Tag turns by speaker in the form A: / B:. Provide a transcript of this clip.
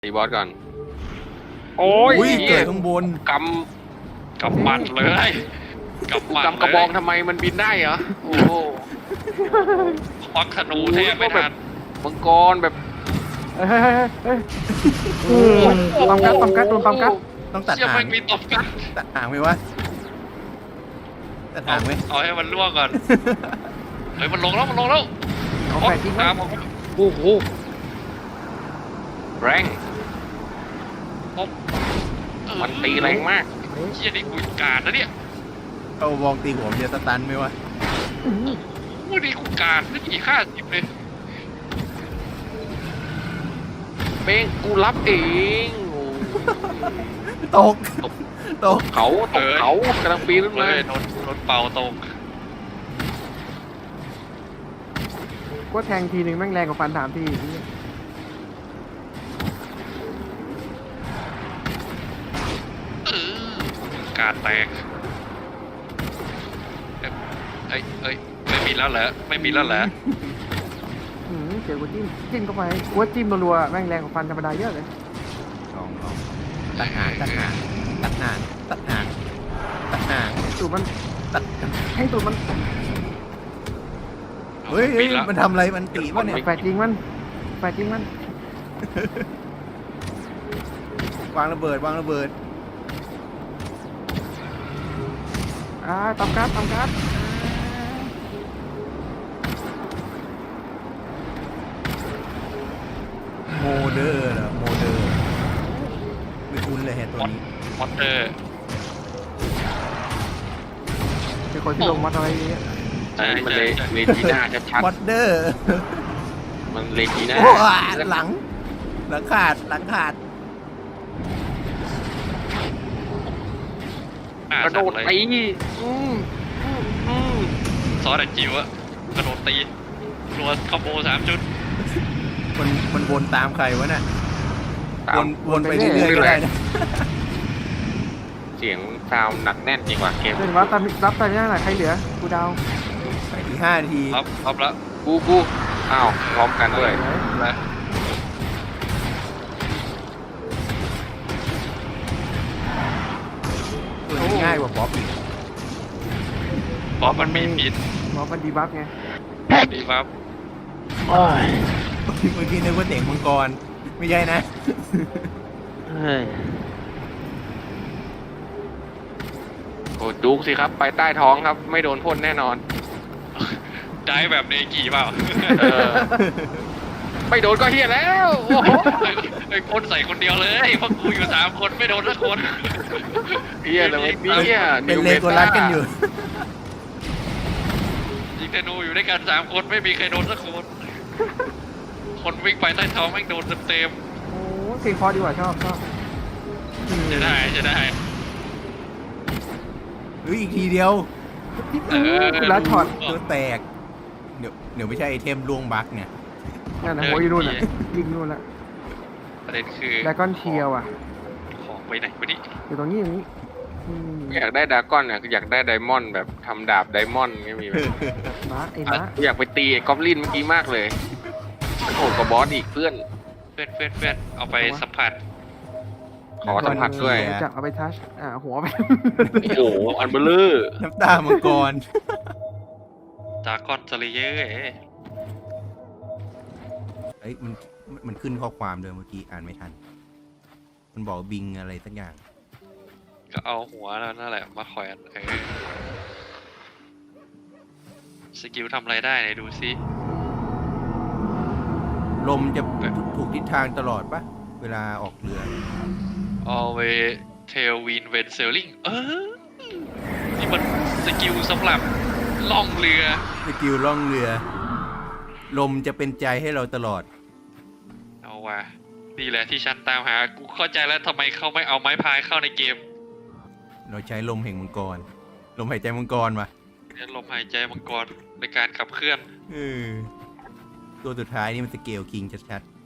A: ตีบอสก่อนโอ้ย
B: เกิดข้างบน
A: กำบัดเลยกำกระบองทำไมมันบินได้เหรอโอ้โหควักธนูแทบไม่ทันมังกรแบบ
C: ตอมกัดโดนตอมกัด
B: ต้องตัดหาง
A: มีตบกัด
B: ตัดหางไหมวะตัดหางไหม
A: เอาให้มันล่วงก่อนเฮ้ยมันลงแล้ว
C: เอาแฝดจริงมั้ย
A: โอ้โหแรงมันตีแรงมากเชี่ยนี่กูการนะเนี่ย
B: เอาบองตีหัวมันจะสตันไหมวะ
A: วันนี้กูการไม่กี่50เลยเป้งกูรับเอง
B: ตก
A: เขากำลังปีนขึ้นมาโดนเป่าตก
C: ก็แทงทีหนึ่งแม่งแรงกว่าฟัน3 ที
A: การแตกไม่มีแล้วเหรอ
C: เจอกูจิ้มเข้าไปกูว่าจิ้มรัวๆแม่งแรงกว่าฟันธรรมดาเยอะเลย
B: ลองตัดหาง
C: ตูดมัน
B: ตัด
C: ให้ตูดมัน
B: เฮ้ยมันทำอะไรมันตีป่ะเนี่ย
C: แฝดจริงมัน
B: วางระเบิด
C: ตอมกัด
B: โมเดอร์ไม่คุ้นเลยตัวนี้
A: มอเตอร์
C: เป็นคนที่ลงมาอะไรเงี้ย
A: มันเลจีน่าชัด
B: มอเดอร์
A: มันเลจีน่า
B: หลังขาด
A: กระโดดตีซอสแต่จิ๋วอะกระโดดตีรัวคอมโบ3 จุด
B: มันวนตามใครวะน่ะวนไปเรื่อยๆก็ได้นะ
A: เสียงซาวหนักแน่นจริงว่ะเกม
C: เป็นว่ารับตอนนี้ไหนใครเหลือกูดาว
B: ไปอีก5 นาที
A: รับแล้วกูอ้าวพร้อมกันด้วยนะ
B: ง่ายกว่าบ๊อบอีก
A: บ๊อบมันมีปิด
C: บ๊อบมันดีบัฟไง
A: ดีบัฟ
B: เมื่อกี้นึกว่าเสียงมังกรไม่ใช่นะ
A: โอ้จุกสิครับไปใต้ท้องครับไม่โดนพ่นแน่นอนได้แบบเนกี่เปล่าไม่โดนก็เฮียแล้วโอ้โหไอ้พ่นใส่คนเดียวเลยเพราะกูอยู่3 คนไม่โดนสักคนเฮียเลย
B: เป็นเลโกลัสกันอยู่
A: ยิงธนูอยู่ด้วยกัน3 คนไม่มีใครโดนสักคนวิ่งไปใต้ท้องแม่งโดนเต็ม
C: โอ้เพลงพอดีกว่าชอบ
A: จะได้
B: อีกทีเดียว
C: แล้วช็อต
B: ตัวแตกเดี๋ยวไม่ใช่ไอเทมล่วงบั๊กเนี่ย
C: นั่นนะโอ้ยนู่นน่ะยิงนู่นละ
A: ประเด็นคือ
C: ดากอนเทียวอ่ะ
A: ของไปไหนวะนี่
C: อยู่ตรงนี้
A: อยากได้ดากอนเนี่ยอยากได้ไดมอนด์แบบทำดาบไดมอนด์ไม่มีไหมอยากไปตีไอ้กอบลินเมื่อกี้มากเลยโหดกว่าบอสอีกเพื่อนเอาไปสัมผัสขอสัมผัสด้วย
C: จะเอาไปทัชหัวไป
A: โอ้โหอันเบลเลอร์
B: น้ำตามังกร
A: ดากอนสเลเยอร์
B: มันขึ้นข้อความเลยเมื่อกี้อ่านไม่ทันมันบอกบิงอะไรสักอย่าง
A: ก็เอาหัวแล้วนั่นแหละมาแขวนสกิลทำอะไรได้ไหนดูซิ
B: ลมจะถูกทิศทางตลอดปะเวลาออกเรือ
A: always tailwind when sailing นี่มันสกิลสำหรับล่องเรือ
B: สกิลล่องเรือลมจะเป็นใจให้เราตลอด
A: เอาว่ะนี่แหละที่ฉันตามหากูเข้าใจแล้วทำไมเขาไม่เอาไม้พายเข้าในเกม
B: เราใช้ลมแห่งมังกรลมหายใจมังกรมา
A: ลมหายใจมังกรในการขับเคลื่อน
B: ตัวสุดท้ายนี่มันสเกลคิงชัดๆ